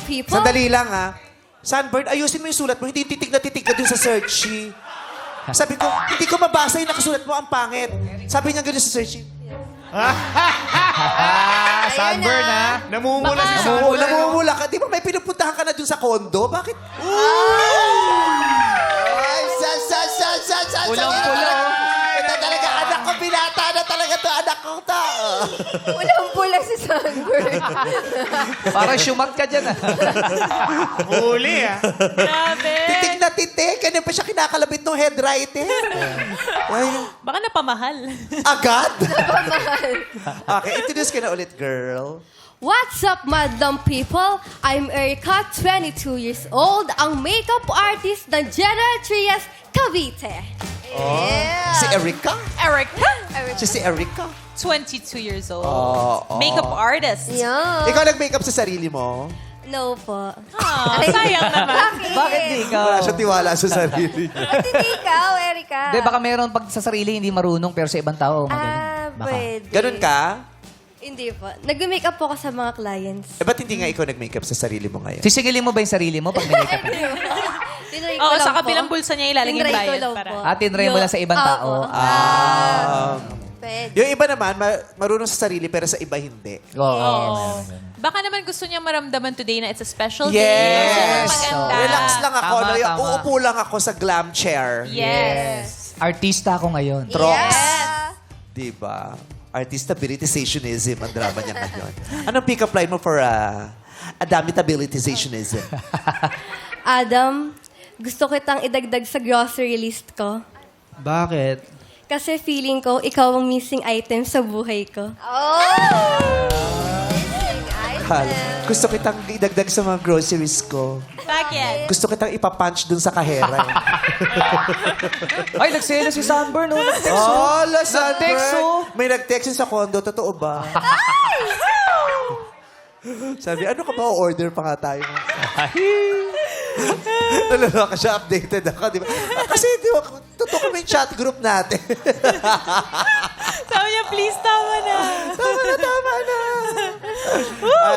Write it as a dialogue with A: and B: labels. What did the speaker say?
A: people.
B: Sandali lang, ha? Sunburn, ayusin mo yung sulat mo. Hindi titig na dun sa search sheet. Sabi ko, hindi ko mabasa yung nakasulat mo, ang pangit. Sabi niya gano'n sa search sheet.
C: Sunburn, ha?
D: Namumula si
B: Oo,
D: Sunburn.
B: namumula ka. Di ba may pinupuntahan ka na dun sa kondo? Bakit? Ay,
C: Pulang-pula, oh.
B: Ito talaga, anak ko, binata na talaga to, anak ko to.
A: Walang pula si Sunburn.
C: Parang syumag ka dyan, ah.
D: Huli, ha?
E: Grabe.
B: Titig na titig. Kanya pa siya kinakalabit ng head writer. Ay,
E: Baka napamahal.
B: agad? Okay, introduce ka na ulit, girl.
A: What's up, madam people? I'm Erica, 22 years old, ang makeup artist ng General Trias, Cavite.
B: Si Erica?
E: Erica,
B: Siya si Erica.
E: 22 years old.
B: Oo.
E: Makeup artist.
A: Yeah.
B: Ikaw nag-makeup sa sarili mo?
A: No po.
E: Ah, sayang naman.
C: Bakit di ikaw?
B: Wala siya tiwala sa sarili niya.
A: Ba't hindi ikaw, Erica?
C: Hindi, baka meron pag sa sarili hindi marunong pero sa ibang tao magaling.
A: Ah,
C: Baka.
A: pwede.
B: Ganun ka?
A: Hindi po. Nag-makeup po ako sa mga clients.
B: Eh, ba't hindi nga ikaw nag-makeup sa sarili mo ngayon?
C: Sisingilin mo ba yung sarili mo pag may-makeup?
A: Tinry ko
E: Oo,
A: lang
E: sa
A: po.
E: kabilang bulsa niya ilalagay yung
A: Tinry ko
E: bayad
A: lang
E: para.
A: po.
C: Tinry mo lang sa ibang tao.
A: Pwede.
B: Yung iba naman, marunong sa sarili pero sa iba hindi.
C: Oo.
E: Baka naman gusto niya maramdaman today na it's a special
B: Yes!
E: day. Maganda.
B: Relax lang ako.
C: Tama,
B: no?
C: tama.
B: Uupo lang ako sa glam chair.
E: Yes.
C: Artista ako ngayon.
B: Trox.
A: Yeah.
B: Diba? Artistabilizationism ang drama niya ngayon. Anong pick-up line mo for adamitabilizationism?
A: Adam, gusto kitang idagdag sa grocery list ko.
C: Bakit?
A: Kasi feeling ko, ikaw ang missing item sa buhay ko.
B: Hal, gusto kitang idagdag sa mga groceries ko.
E: Bakit?
B: Gusto kitang ipapunch dun sa kahera.
C: Ay, nagselo si Sunburn, no?
B: Oh,
C: Nag-text, oh.
B: May nag-text yun sa condo. Totoo ba? Sabi, ano ka ba? Order pa nga tayo. Nalala ka siya, updated ako, di ba? Kasi, di ba, totoo kami yung chat group natin.
E: Sabi niya, please, tama na.
B: Tama na.